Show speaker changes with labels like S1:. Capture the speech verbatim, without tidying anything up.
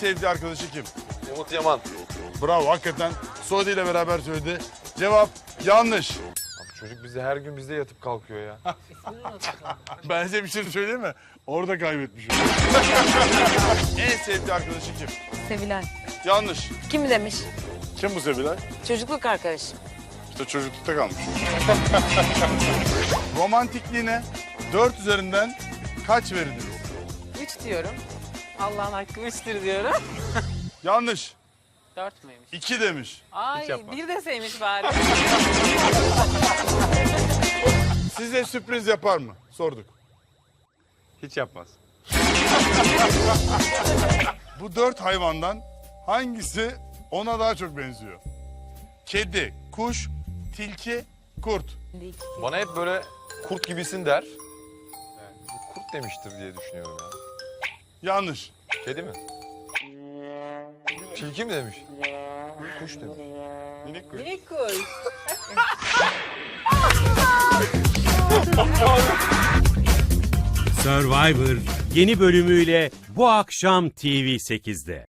S1: sevdiği arkadaşı kim?
S2: Umut Yaman.
S1: Bravo, hakikaten Suudi ile beraber söyledi. Cevap yanlış.
S2: Abi çocuk bize her gün bizde yatıp kalkıyor ya.
S1: Ben size bir şey söyleyeyim mi? Orada kaybetmiş. En sevdiği arkadaşı kim?
S3: Sevilay.
S1: Yanlış.
S3: Kim demiş?
S1: Kim bu Sevilay?
S3: Çocukluk arkadaşım.
S1: İşte çocuklukta kalmış. Romantikliğine dört üzerinden kaç verilir?
S4: Üç diyorum. Allah'ın hakkı üçtür diyorum.
S1: Yanlış.
S4: Dört müymüş?
S1: iki demiş.
S4: Ay bir deseymiş bari.
S1: Size sürpriz yapar mı? Sorduk.
S2: Hiç yapmaz.
S1: Bu dört hayvandan hangisi ona daha çok benziyor? Kedi, kuş, tilki, kurt.
S2: Bana hep böyle kurt gibisin der. Yani kurt demiştir diye düşünüyorum ya.
S1: Yanlış.
S2: Kedi mi? Tilki mi demiş? Kuş demiş.
S1: Minik kuş.
S4: Minik kuş.
S5: Survivor yeni bölümüyle bu akşam T V sekizde.